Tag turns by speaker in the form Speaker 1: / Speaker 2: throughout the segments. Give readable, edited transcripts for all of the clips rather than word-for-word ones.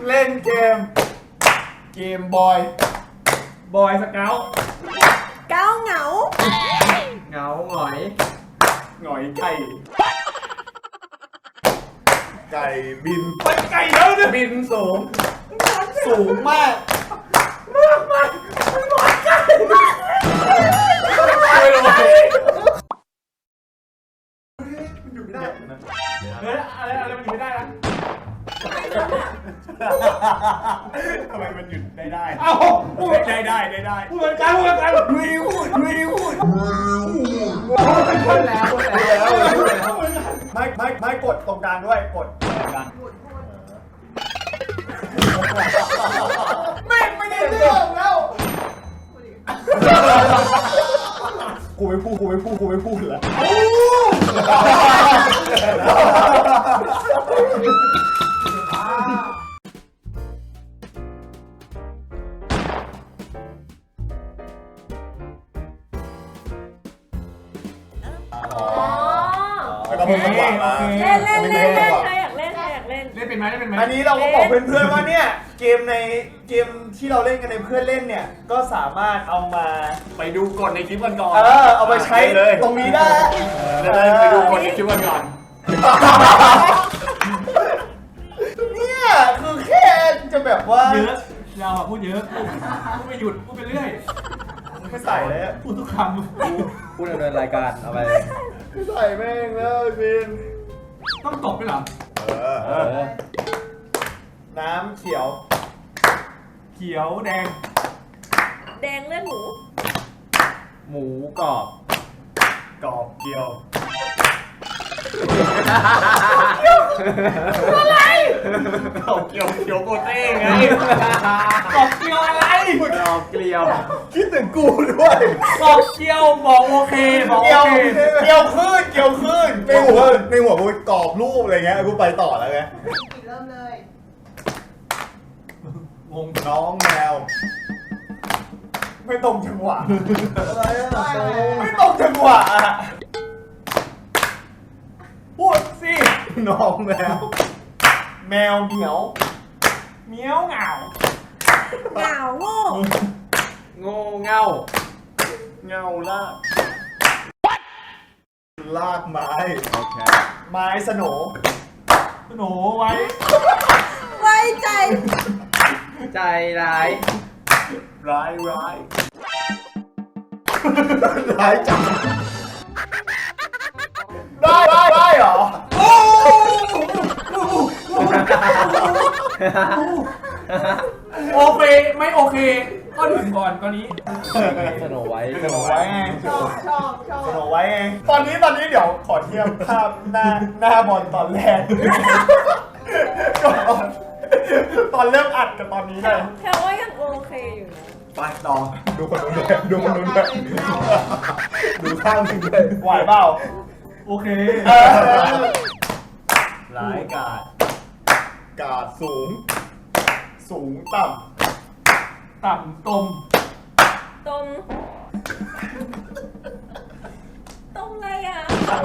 Speaker 1: เล่นเกมบอยสเกาต์
Speaker 2: เก้าเหงา
Speaker 3: เหงาหงอย
Speaker 1: ไก่บินไปไก่แล้วเนี่ยบินสูงมากมันหวานไก่ไม่รู้มันอยู่ไม่ได้เฮ้ยอะไรมันอยู่ไม่ได้นะทำไมมันหยุดได้เอ้าได้พูดเหมือนกันไม่ได้พูดแล้วไม่กดตรงกลางด้วยกดกันไม่ได้เรื่องแล้วกูไม่พูดแล้วแล้วก็มึงหวังมา
Speaker 2: เล่นใครอยากเล่น
Speaker 3: เป็นไหม
Speaker 1: อันนี้เราก็บอกเพื่อนๆว่าเนี่ยเกมที่เราเล่นกันในเพื่อนเล่นเนี่ยก็สามารถเอามา
Speaker 3: ไปดูกดในคลิปกันก่อน
Speaker 1: เอาไปใช้ตรงนี้ได้
Speaker 3: ไปดูกดในคลิปกันก่อน
Speaker 1: เนี่ยคือแค่จะแบบว่า
Speaker 3: เยอะเราพูดเยอะพูดไม่หยุดพูดไปเรื่อย
Speaker 1: ไม่ใส่เลย
Speaker 3: พูดทุกค
Speaker 4: พูดดำเนินรายการเอาไป
Speaker 1: ไม่ใส่แม่งแล้วบิน
Speaker 3: ต้องตบด้วยเหรอ
Speaker 1: น้ำเขียว
Speaker 3: แดง
Speaker 2: เลือด
Speaker 4: หมูกรอบ
Speaker 1: เกี๊ยว
Speaker 2: อะไร
Speaker 3: กรอบเกี๊ยวโกเต้ไงกรอบเกี๊ยวอะไร
Speaker 4: กรอบเกลียว
Speaker 1: คิดถึงกูด้วย
Speaker 3: กรอบเกี๊ยวบอกโอเค
Speaker 1: เกี๊ยวขึ้นในหัวกูกรอบรูปอะไรเงี้ยกูไปต่อแล้วไง
Speaker 2: เริ่มเลย
Speaker 1: น้องแมวไม่ตรงจังหวะไม่ตรงจังหวะพูดสิน้องแมวเหมียวเหงา
Speaker 4: โง่เง่า
Speaker 1: ลากไม้
Speaker 4: โอเค
Speaker 1: ไม้สโหนไ
Speaker 2: ว้ใจ
Speaker 4: ร้าย
Speaker 1: จังได้เหรอ
Speaker 3: โอเคไม่โอเคก็ถึงก่อนก็นี้
Speaker 4: สโนไว้
Speaker 1: ไง
Speaker 2: ชอบ
Speaker 1: สโนไว้ไงตอนนี้เดี๋ยวขอเทียบภาพหน้าบอลตอนแรกตอนเริ่มอัดกับตอนนี้เลย
Speaker 2: แค่ว่ายังโอเคอยู่นะ
Speaker 1: ไปต่อดูคนนู้นด้วยดูข้างนึงเลยไหวเปล่า
Speaker 3: โอเค
Speaker 1: ร้ายกาดสูงต่ำ
Speaker 3: ตม
Speaker 2: อะไรอ่ะ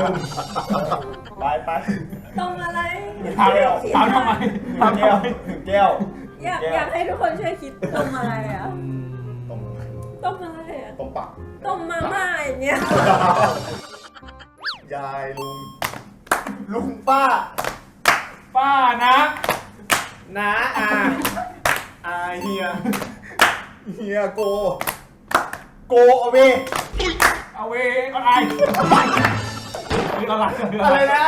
Speaker 1: ไป
Speaker 2: ตมอะไร
Speaker 3: ถามทำไม
Speaker 1: แก้ว
Speaker 2: อยากให้ทุกคนช่วยคิดตมอะไรอ่ะตมอะไรอ่ะ
Speaker 1: ตมปัก
Speaker 2: ตมมาม่าอย่างเงี้ย
Speaker 1: ยายลุงป้า
Speaker 3: นะ
Speaker 1: อาเฮียโกเอาเว
Speaker 3: อะไร
Speaker 1: อะไรนะ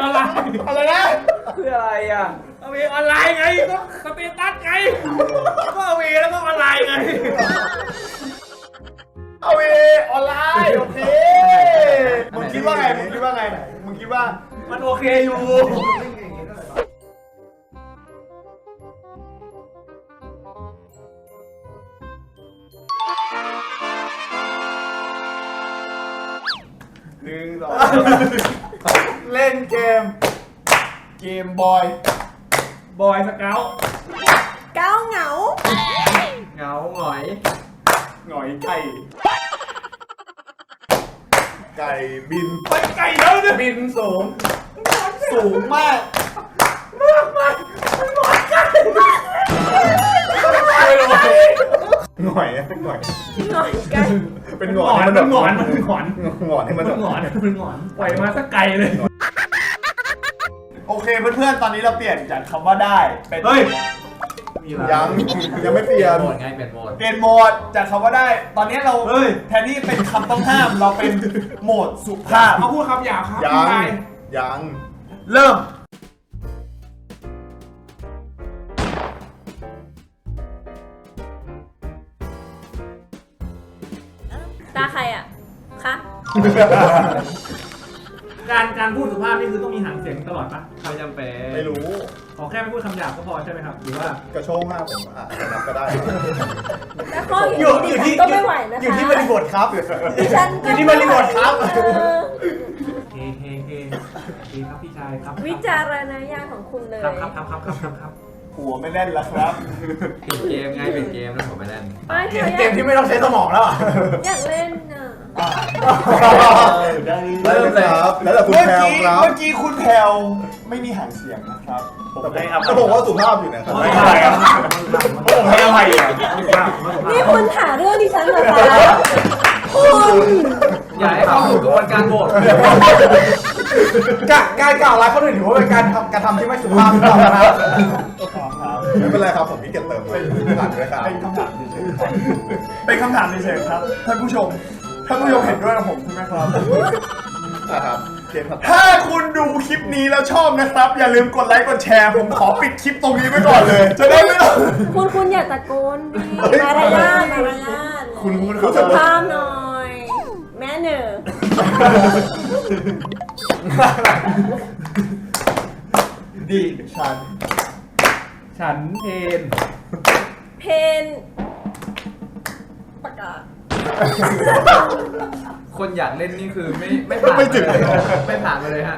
Speaker 4: คืออะไรอ่ะ
Speaker 3: เอาเวออนไลน์ไงก็สเตตัสไงก็เอาเวแล้วก็ออนไลน์ไง
Speaker 1: เอาเวออนไลน์โอเคมึงคิดว่าไงมึงคิดว่า
Speaker 3: มันโอเคอยู่
Speaker 1: เล่นเกมบอย
Speaker 3: สเกาต์
Speaker 2: เก้าเหงา
Speaker 4: หงอย
Speaker 1: ไก่บิน
Speaker 3: ไปไก่แล้วเนี่ย
Speaker 1: บินสูงมากมันหวานไก่หงอย
Speaker 2: หน่อยกัน
Speaker 1: เป็น
Speaker 3: ห
Speaker 1: ห
Speaker 3: ง
Speaker 1: ง
Speaker 3: อ
Speaker 1: อน
Speaker 3: น
Speaker 1: ให้
Speaker 3: มัน
Speaker 1: แบบ
Speaker 3: หงอนมันหงอน
Speaker 1: หงอนให้มันแบบ
Speaker 3: หงอนมันหงอนปล่อยมาสักไกลเลย
Speaker 1: โอเคเพื่อนๆตอนนี้เราเปลี่ยนจากคำว่าได้เป็น
Speaker 3: เฮ้ย
Speaker 1: ยังไม่เปลี่ยน
Speaker 4: โหมดไงเป็นโหมด
Speaker 1: เปลี่ยนโหมดจากคำว่าได้ ตอนนี้เราแทนที่เป็นคำต้องห้ามเราเป็นโหมดสุภาพ
Speaker 3: เขาพูดคำหยาบครับ
Speaker 1: ยั
Speaker 3: พี่
Speaker 1: ง
Speaker 3: ชาย
Speaker 1: ยังเริ่ม
Speaker 2: ตาใครอ่ะคะ
Speaker 3: การพูดสุภาพนี่คือต้องมีหางเสียงตลอดปะ
Speaker 4: ไม่จำเป็น
Speaker 1: ไม่รู้
Speaker 3: ขอแค่ไม่พูดคำหยาบก็พอใช่ไหมครับหรือว่าก
Speaker 1: ระโชกห้าผมจะนับก็ได้
Speaker 2: แต่ข้ออย่างนี้ดิฉันก็ไม่ไหวนะคะ
Speaker 1: อยู่ที่บริบทครับ
Speaker 2: ดิฉัน
Speaker 1: อ
Speaker 2: ก็
Speaker 1: ยู่ที่บริบทครับ
Speaker 3: เฮ้ครับพี่ชายครับ
Speaker 2: วิจารณญาณของคุณเลย
Speaker 3: ครับ
Speaker 1: หัวไม่แน่นแล้วครับ
Speaker 4: เป็นเกมไงเป็นเกมแล้วผมไม่เล่น
Speaker 2: ไม่เธอ
Speaker 1: เกมที่ไม่ต้องใช้สมองแล้วอ่ะ
Speaker 2: อยากเล่นน่ะ
Speaker 1: เริ่มเลยครับ แล้วแต่คุณแพลวครับ เมื่อกี้คุณแพลวไม่มีหางเสียงนะครับแต่ผมว่าสุภาพอยู่นะครับ
Speaker 3: ไม่อะไรอ่ะผมให้อภัยอ่ะ
Speaker 2: นี่คุณหาเรื่องดิฉันเหรอคะคุณ
Speaker 4: อย่าให้เข้าสู่กระบวนการโหวต
Speaker 1: การกล่าวร้ายเขาถือว่าเป็นการทำที่ไม่สุภาพหรือเปล่าครับไม่เป็นไรครับผมมีเก็บเติมผ่านด้วยครับเป็นคำถามเฉยๆเป็นคำถามเฉยๆครับท่านผู้ชมเห็นด้วยกับผมใช่ไหมครับครับถ้าคุณดูคลิปนี้แล้วชอบนะครับ อย่าลืมกดไลค์กดแชร์ผมขอปิดคลิปตรงนี้ไว้ก่อนเลย จะได้ไม่ต้อง
Speaker 2: คุณอย่าตะโกนดิมารยาท
Speaker 1: คุณ
Speaker 2: สุภาพหน่อย แม่เนอ
Speaker 1: ดิฉัน
Speaker 3: เพน
Speaker 2: เพนประกาศ
Speaker 4: คนอยากเล่นนี่คือไม่ผ่าน
Speaker 1: ไม่ถึง
Speaker 4: ไม่ผ่านไปเลยฮะ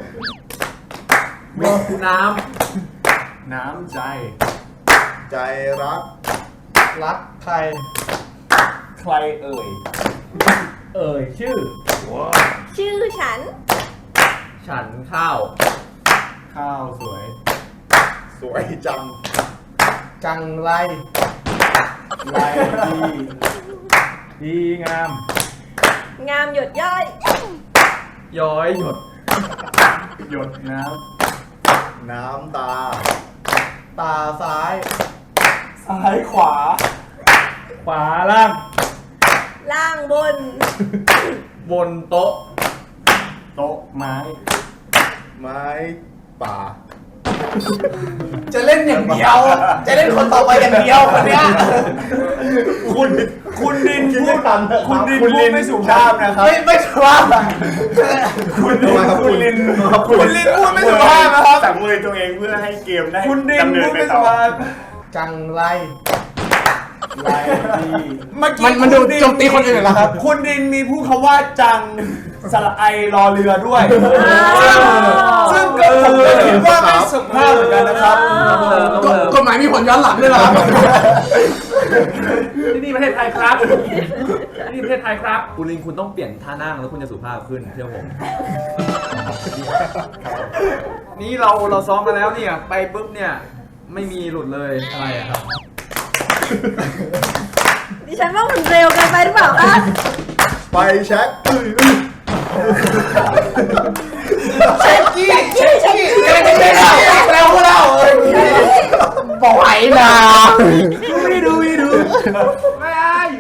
Speaker 4: น้
Speaker 3: น้ำใจ
Speaker 1: ใจรักใครเอ่ย
Speaker 3: เอ่ยชื่อ
Speaker 2: ชื่อฉัน
Speaker 4: ำฉันข้าว
Speaker 3: ข้าวสวย
Speaker 1: สวยจังไร
Speaker 3: ลายดีงาม
Speaker 2: งามหยดย่อย
Speaker 4: ย้อยหยด
Speaker 3: หยดน้
Speaker 1: น้ำตาซ้ายขวา
Speaker 3: ำขวาล่าง
Speaker 2: ล่างบน
Speaker 4: บนโต๊ะ
Speaker 3: โต๊ะไม้
Speaker 1: ไม้ป่า จะเล่นอย่างเดียว จะเล่นคนต่อไปอย่างเดียวคนเนี้ยคุณดินพูดไม่สุภาพนะครับไม่สุภาพคุณดินพูดไม่สุภาพนะครับ
Speaker 5: สั่งมือตัวเองเพื่อให้เกมได้
Speaker 1: คุณดิน
Speaker 5: ดำเนิ
Speaker 1: พู
Speaker 5: น
Speaker 1: ด
Speaker 5: ไป
Speaker 1: ไม่
Speaker 5: ต่
Speaker 1: สุ
Speaker 5: อ
Speaker 1: ภาพ
Speaker 6: จังไร
Speaker 1: ดีเมื่อกี้
Speaker 6: มันดูโจมตีคนอื่นเหรอครับ
Speaker 1: คุณดินมีพูดคำว่าจังสระไอรอเรือด้วยซึ่งก็ผมก็คิดว่าไม่สุภาพเหมือนกันนะครับ
Speaker 6: กฎหมายมีผลย้อนหลังด้วยเหรอครับ
Speaker 3: ที่นี่ประเทศไทยครับที่นี่ประเทศไทยครับ
Speaker 4: คุณลิงคุณต้องเปลี่ยนท่านั่งแล้วคุณจะสุภาพขึ้นเชื่อผม นี่เราซ้อมกันแล้วเนี่ยไปปุ๊บเนี่ยไม่มีหลุดเลยอะไรอะครับ
Speaker 2: ดิฉันว่ามันเร็วเกินไปหรือเปล่าคะ
Speaker 1: ไปเช็คเช็คกี้แล้วก็เล่าเลย
Speaker 6: บอกไหวนะ
Speaker 3: ไม่ดูไม่